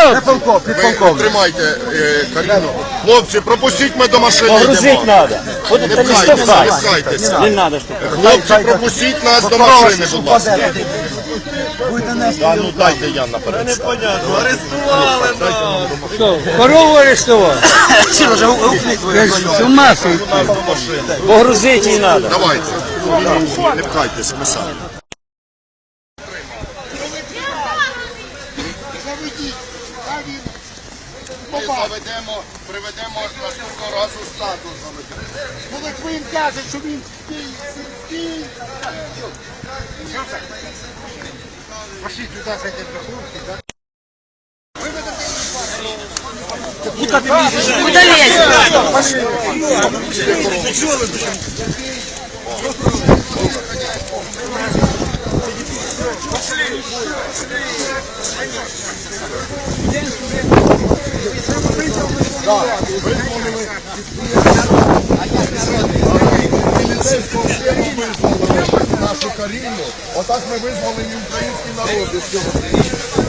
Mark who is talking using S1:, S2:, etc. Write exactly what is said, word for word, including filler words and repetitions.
S1: Ви тримайте е, Каріну. Хлопці, пропустіть мене до машини.
S2: Погрузить
S1: йдемо.
S2: надо. Вот
S1: Не
S2: это не
S1: пхайтеся, не
S2: штовхай.
S1: пхайтеся.
S2: Не надо штовхать.
S1: Хлопці, пропустіть нас до машини, будь ласка. Да, ну дайте я наперед.
S3: Непонятно, арестували нас.
S4: Що, корову арестував? З ума сойти.
S2: Погрузить їй надо.
S1: Давайте. Не пхайтеся, ми самі. Ми заведемо, приведемо наступного разу статус заведемо.
S5: Коли ви їм кажете, що він стій, стій. Пошли туди, зайдемо до хлопці, так?
S6: Куда лезешь?
S1: Нашу Каріну, отак ми визвали і український народ.